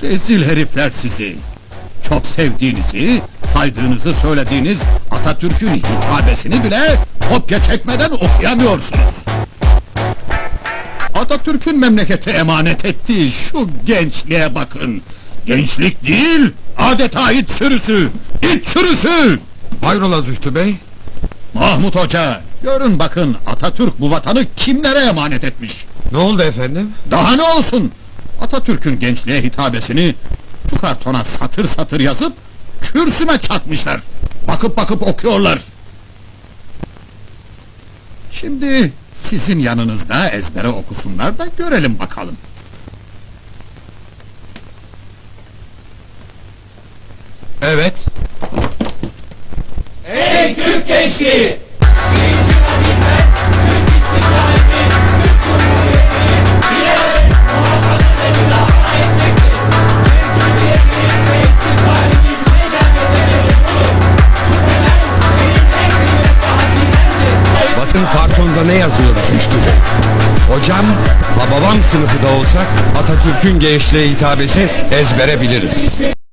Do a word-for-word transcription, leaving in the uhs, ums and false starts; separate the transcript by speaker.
Speaker 1: Rezil herifler sizi! Çok sevdiğinizi, saydığınızı söylediğiniz Atatürk'ün hitabesini bile kopya çekmeden okuyamıyorsunuz! Atatürk'ün memlekete emanet ettiği şu gençliğe bakın! Gençlik değil, adeta it sürüsü! İt sürüsü!
Speaker 2: Hayrola Zühtü Bey?
Speaker 1: Mahmut Hoca, görün bakın Atatürk bu vatanı kimlere emanet etmiş?
Speaker 2: Ne oldu efendim?
Speaker 1: Daha ne olsun? Atatürk'ün gençliğe hitabesini şu kartona satır satır yazıp kürsüme çakmışlar. Bakıp bakıp okuyorlar. Şimdi sizin yanınızda ezbere okusunlar da görelim bakalım.
Speaker 2: Evet.
Speaker 3: Ey Türk gençliği!
Speaker 2: Bakın kartonda ne yazıyor Zühtü Bey? Hocam, babam sınıfı da olsak Atatürk'ün gençliğe hitabesi ezbere biliriz.